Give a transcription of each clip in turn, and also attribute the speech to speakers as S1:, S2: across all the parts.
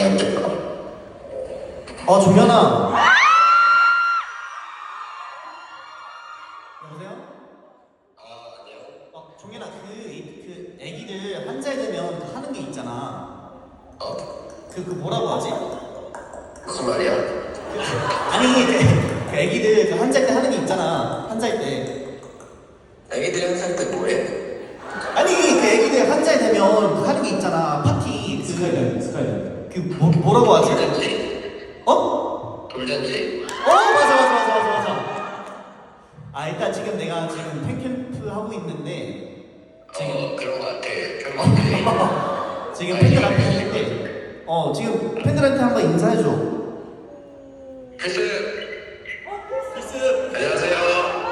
S1: 종현아. 여보세요?
S2: 아니요.
S1: 종현아, 그 애기들 한 살 되면 하는 게 있잖아. 그 뭐라고 하지?
S2: 무슨 말이야?
S1: 아니, 그 애기들 그 한 살 때 하는 게 있잖아. 한 살 때.
S2: 애기들이 한 살 때 뭐해?
S1: 아니, 그 애기들 한 살 되면 그 하는 게 있잖아. 파티.
S3: 스카이다이빙.
S1: 그 뭐라고 하지?
S2: 돌잔치?
S1: 어?
S2: 돌잔치?
S1: 맞아. 일단 지금 내가 지금 팬캠프 하고 있는데
S2: 그런 거 같아. 팬분들이.
S1: 지금 팬들 앞에 있는데 지금 팬들한테 한번 인사해줘.
S2: 필스! 안녕하세요.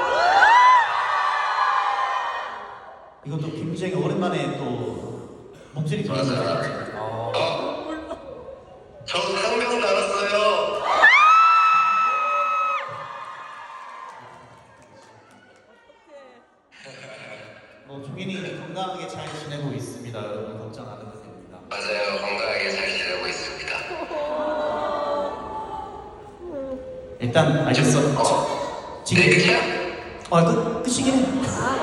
S1: 이것도 김주영이 오랜만에 또 목소리 들리는
S2: 맞아.
S1: 거야.
S2: 저 상병 나왔어요.
S1: 종현이 건강하게 잘 지내고 있습니다. 여러분 걱정 안 해도 됩니다.
S2: 맞아요. 건강하게 잘 지내고 있습니다.
S1: 일단 알겠어. 지금
S2: 네, 끝이야?
S1: 끝이긴 해.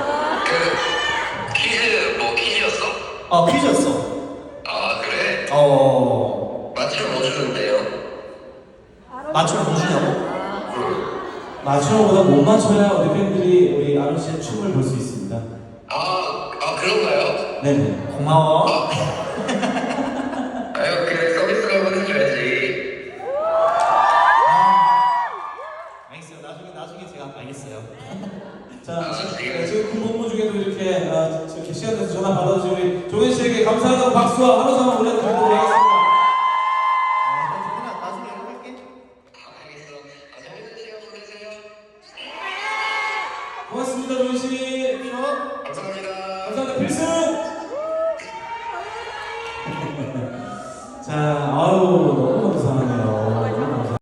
S2: 그 퀴즈였어?
S1: 퀴즈였어.
S2: 그래? 맞추면 뭐 주는데요?
S1: 맞추면 뭐 주냐고?
S3: 맞추는보다 못 맞춰야 우리 팬들이 우리 아론 씨의 춤을 볼 수 있습니다.
S2: 그런가요?
S3: 네네.
S1: 고마워.
S2: 그래 서비스로 한번 해줘야지.
S1: 알겠어요. 나중에 제가 알겠어요.
S3: 자,
S2: 지금.
S3: 지금 군복무 중에도 이렇게 이렇게 시간 내서 전화 받아주신 우리 종현 씨에게 감사하다고 박수와 한우 상을 올려드리도록 하겠습니다.
S1: 종현아, 나중에 연락할게.
S2: 알겠어. 재밌는 시간 보내세요.
S3: 고맙습니다, 종현 씨.
S2: 감사합니다.
S3: 감사합니다, 필승.